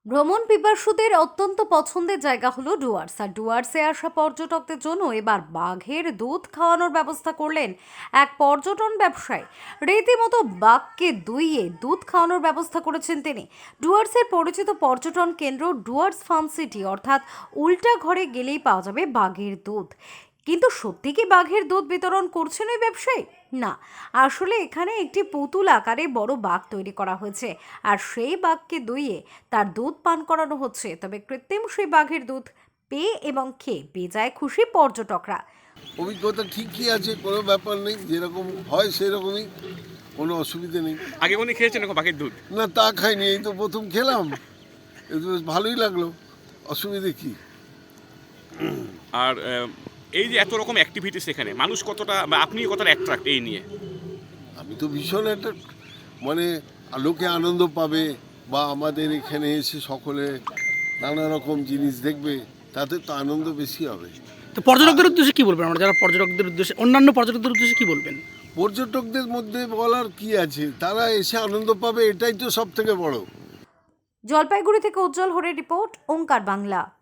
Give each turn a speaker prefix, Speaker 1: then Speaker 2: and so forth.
Speaker 1: ভ্রমণ পিপাসুদের অত্যন্ত পছন্দের জায়গা হলো ডুয়ার্স। আর ডুয়ার্সে আসা পর্যটকদের জন্য এবার বাঘের দুধ খাওয়ানোর ব্যবস্থা করলেন এক পর্যটন ব্যবসায়ী। রীতিমতো বাঘকে দুইয়ে দুধ খাওয়ানোর ব্যবস্থা করেছেন তিনি। ডুয়ার্সের পরিচিত পর্যটন কেন্দ্র ডুয়ার্স ফার্ম সিটি, অর্থাৎ উল্টা ঘরে গেলেই পাওয়া যাবে বাঘের দুধ। কিন্তু সত্যি কি বাঘের দুধ বিতরণ করছেন ওই ব্যবসায়ী? না, আসলে এখানে একটি পুতুল আকারে বড় বাঘ তৈরি করা হয়েছে, আর সেই বাঘকে দুইয়ে তার দুধ পান করানো হচ্ছে। তবে কৃত্রিম সেই বাঘের দুধ পেয়ে এবং খেয়ে বেজায় খুশি পর্যটকরা।
Speaker 2: অভিজ্ঞতা ঠিকই আছে, কোনো ব্যাপার নেই, যেরকম হয় সেরকমই, কোনো অসুবিধে নেই।
Speaker 3: আগে কোনদিন খেয়েছেন এরকম বাঘের দুধ?
Speaker 2: না, তা খাইনি, এই তো প্রথম খেলাম, এই তো বেশ ভালোই লাগলো, অসুবিধে কি?
Speaker 3: আর এই যে এত রকম অ্যাক্টিভিটিস এখানে মানুষ কতটা বা আপনি কতটা অ্যাট্রাক্ট এই নিয়ে?
Speaker 2: আমি তো ভীষণ একটা মানে লোকে আনন্দ পাবে বা আমাদের এখানে এসে সকলে নানা রকম জিনিস দেখবে, তাতে তো আনন্দ বেশি হবে।
Speaker 4: তো পর্যটকদের উদ্দেশ্যে কি বলবেন? আমরা যারা পর্যটকদের উদ্দেশ্যে, অন্যান্য পর্যটকদের উদ্দেশ্যে কি বলবেন?
Speaker 2: পর্যটকদের মধ্যে বলার কি আছে, তারা এসে আনন্দ পাবে, এটাই তো সব থেকে বড়।
Speaker 1: জলপাইগুড়ি থেকে উজ্জ্বল হরের রিপোর্ট, ওঙ্কার বাংলা।